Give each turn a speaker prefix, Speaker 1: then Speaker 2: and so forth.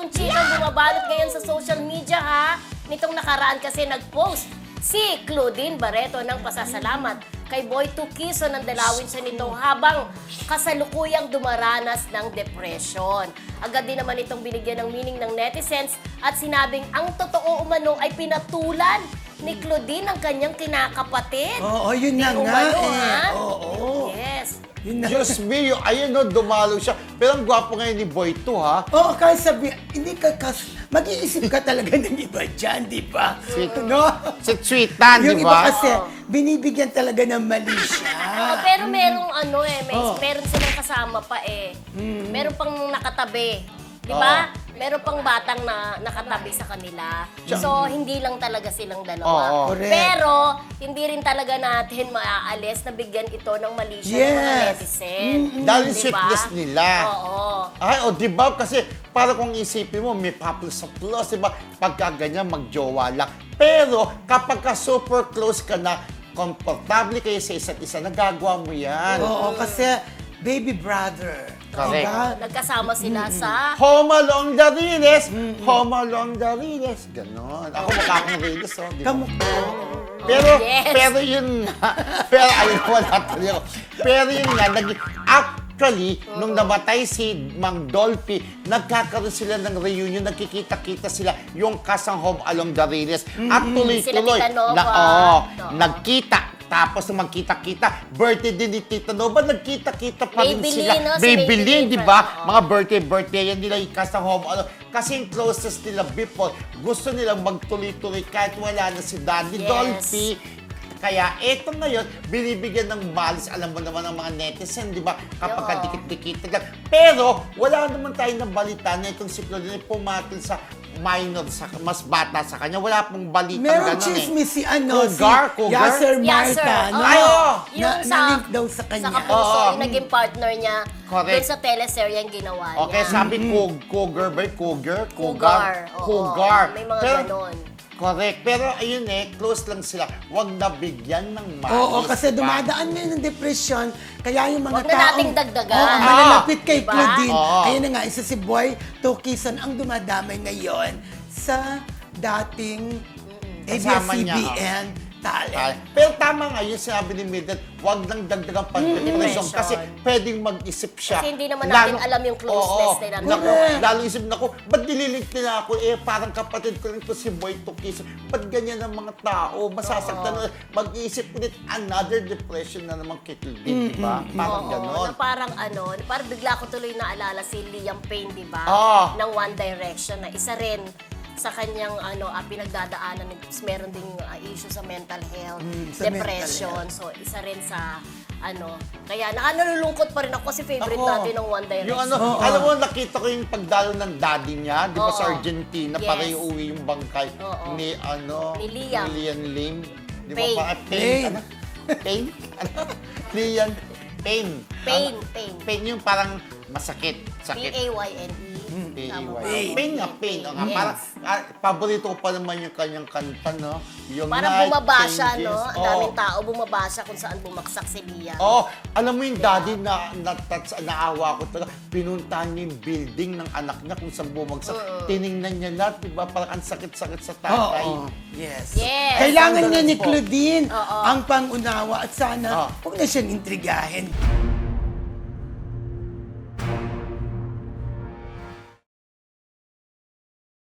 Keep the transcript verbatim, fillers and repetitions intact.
Speaker 1: itong chikang bumabalot ngayon sa social media ha. Nitong nakaraan kasi nag-post si Claudine Barreto ng pasasalamat kay Boy Tukiso ng dalawin siya nito habang kasalukuyang dumaranas ng depression. Agad din naman itong binigyan ng meaning ng netizens at sinabing ang totoo umano ay pinatulan ni Claudine ang kanyang kinakapatid.
Speaker 2: Oo, yun na
Speaker 1: Di
Speaker 2: nga
Speaker 1: umano,
Speaker 2: eh.
Speaker 1: ha?
Speaker 2: Oo.
Speaker 1: Yes.
Speaker 2: Yun na.
Speaker 3: Diyos mio, ayun no, dumalo siya. Pero ang gwapo ngayon ni Boy to, ha?
Speaker 2: Oo, kahit sabi, hindi ka, kas, mag-iisip ka talaga ng iba dyan, di ba?
Speaker 3: Sweet.
Speaker 2: No?
Speaker 3: Si Tweetan,
Speaker 2: Yung
Speaker 3: di
Speaker 2: iba
Speaker 3: ba?
Speaker 2: kasi, binibigyan talaga ng mali siya.
Speaker 1: Oo, pero merong ano eh, may,
Speaker 2: Oh.
Speaker 1: meron silang kasama pa eh. Meron pang nakatabi. Di ba? Meron pang batang na nakatabi sa kanila. So, hindi lang talaga silang dalawa.
Speaker 3: Oo.
Speaker 2: Correct.
Speaker 1: Pero, hindi rin talaga natin maaalis na bigyan ito ng mali siya ng mga
Speaker 2: Yes.
Speaker 1: netizen.
Speaker 3: Dahil yung
Speaker 1: Di ba?
Speaker 3: sweetness nila.
Speaker 1: Oo.
Speaker 3: Ay, o di ba? Kasi para kung isipin mo, may couple sa plus, di ba? Pagka ganyan, magjowa lang. Pero kapag ka super close ka na, komportable kayo sa isa't isa, nagagawa mo yan.
Speaker 2: Oo, kasi, baby brother.
Speaker 3: Correct.
Speaker 2: Diba?
Speaker 1: Nagkasama sila sa...
Speaker 3: Home along the Riles! Home along the Riles! Ganon. Ako makakang Riles, oh. Di ba?
Speaker 2: Kamukha.
Speaker 3: Pero,
Speaker 1: Yes.
Speaker 3: pero yun nga, pero ayun, wala tuloy ako. Pero yun nga, nag- actually, nung namatay si Mang Dolphy, nagkakaroon sila ng reunion, nagkikita-kita sila yung kasang Home Along the Riles. At tuloy-tuloy,
Speaker 1: Sila Tita Nova.
Speaker 3: na, oo,
Speaker 1: Oo.
Speaker 3: nagkita. Tapos nung magkita-kita, birthday din ni Tita Nova, nagkita-kita pa rin
Speaker 1: Maybelline,
Speaker 3: sila.
Speaker 1: no? Si
Speaker 3: Maybelline,
Speaker 1: Maybelline,
Speaker 3: di ba?
Speaker 1: oo.
Speaker 3: Mga birthday-birthday yan nila, yung kasang Home Along. Kasi yung closest nila before, gusto nilang magtuloy-tuloy kahit wala na si Daddy
Speaker 1: Yes.
Speaker 3: Dolphy. Kaya eto ngayon, binibigyan ng malis, alam mo naman ng mga netizen, di ba? Kapag
Speaker 1: Oo.
Speaker 3: kadikit-dikit lang. Pero, wala naman tayo ng balita na itong si Claudine pumatil sa minor, sa, mas bata sa kanya. Wala pong balita
Speaker 2: Meron
Speaker 3: ganun
Speaker 2: chismis si ano,
Speaker 3: Cougar,
Speaker 2: si
Speaker 3: Cougar?
Speaker 2: Yasser
Speaker 1: Yes, sir.
Speaker 2: Marta.
Speaker 1: Oo.
Speaker 2: no?
Speaker 3: Ay, oo.
Speaker 1: Yung
Speaker 2: Na-
Speaker 1: sa,
Speaker 2: na-link daw sa kanya.
Speaker 1: Sa Kapuso,
Speaker 3: Oo.
Speaker 1: yung naging partner niya
Speaker 3: Correct.
Speaker 1: dun sa teleserye ang ginawa niya.
Speaker 3: Okay, sabi Coug Cougar ba? yun? Cougar?
Speaker 1: Cougar. Oo.
Speaker 3: Cougar.
Speaker 1: May mga
Speaker 3: Pero,
Speaker 1: ganon.
Speaker 3: correct. Pero ayun eh, close lang sila. Huwag nabigyan ng malis.
Speaker 2: Oo, kasi
Speaker 3: diba?
Speaker 2: dumadaan ngayon ng depression, kaya yung mga
Speaker 1: Huwag na
Speaker 2: taong...
Speaker 1: nating dagdagan.
Speaker 2: Oo,
Speaker 1: Ah.
Speaker 2: malalapit kay
Speaker 1: Diba?
Speaker 2: Claudine.
Speaker 3: Oo.
Speaker 2: Ayun na nga, isa si Boy Tukison ang dumadamay ngayon sa dating
Speaker 3: Kasama niya,
Speaker 2: A B S C B N talent.
Speaker 3: Ah, Pero tama nga yung sinabi ni Mildred, huwag nang dagdagang pag-depression
Speaker 1: Depression.
Speaker 3: kasi pwedeng mag-isip siya.
Speaker 1: Kasi hindi naman natin alam yung closeness
Speaker 3: Oo,
Speaker 1: nila.
Speaker 3: Naku,
Speaker 2: Correct.
Speaker 3: lalo isip na ako, ba't nililink nila ako? Eh, parang kapatid ko rin to si Boy Tukis. Ba't ganyan ang mga tao? Masasaktan na. Mag-iisip ulit, another depression na naman kay Claudine, di ba? Parang
Speaker 1: Oo,
Speaker 3: ganon.
Speaker 1: na parang ano, parang bigla ko tuloy naalala si Liam Payne, di ba?
Speaker 3: Ah.
Speaker 1: Ng One Direction na isa rin sa kanyang ano ah, pinagdadaanan, meron ding ah, issue sa mental health,
Speaker 2: Mm, sa
Speaker 1: depression. So isa rin sa ano, kaya naka- nalulungkot pa rin ako kasi favorite
Speaker 3: Ako,
Speaker 1: natin ng One Direction.
Speaker 3: Yung ano,
Speaker 2: Oo.
Speaker 3: alam mo, nakita ko yung pagdalo ng daddy niya, di ba
Speaker 1: Oo.
Speaker 3: sa Argentina,
Speaker 1: Yes.
Speaker 3: para iuwi yung bangkay
Speaker 1: Oo.
Speaker 3: ni, ano,
Speaker 1: Ni Liam.
Speaker 3: Ni Liam Lim. Di ba
Speaker 1: Payne.
Speaker 3: pa? Pain.
Speaker 2: Payne.
Speaker 3: Ano? Pain? Ano? Liam Pain.
Speaker 1: Pain,
Speaker 3: Ano?
Speaker 1: pain.
Speaker 3: Pain yung parang masakit.
Speaker 1: P
Speaker 3: Sakit.
Speaker 1: A Y N E.
Speaker 3: P A
Speaker 1: Tama
Speaker 3: Y.
Speaker 1: ba?
Speaker 3: Pain nga, pain. O nga,
Speaker 1: Yes.
Speaker 3: parang, ah, paborito ko pa naman yung kanyang kanta, no? Yung
Speaker 1: Parang
Speaker 3: Night
Speaker 1: bumaba siya,
Speaker 3: Changes.
Speaker 1: no? Ang
Speaker 3: Oo.
Speaker 1: daming tao bumaba siya kung saan bumaksak si Liam.
Speaker 3: Oh, alam mo yung daddy na, na, touch, naawa ko talaga. Pinuntahan niya yung building ng anak niya kung saan bumagsak. Tiningnan niya lahat, di ba? Parang ang sakit-sakit sa tatay.
Speaker 2: Oo. Yes.
Speaker 1: Yes.
Speaker 2: Kailangan
Speaker 3: Ang
Speaker 2: niya ni
Speaker 3: galing po.
Speaker 2: Claudine
Speaker 1: Oo.
Speaker 2: ang pangunawa at sana
Speaker 3: Oo.
Speaker 2: huwag na siyang intrigahin.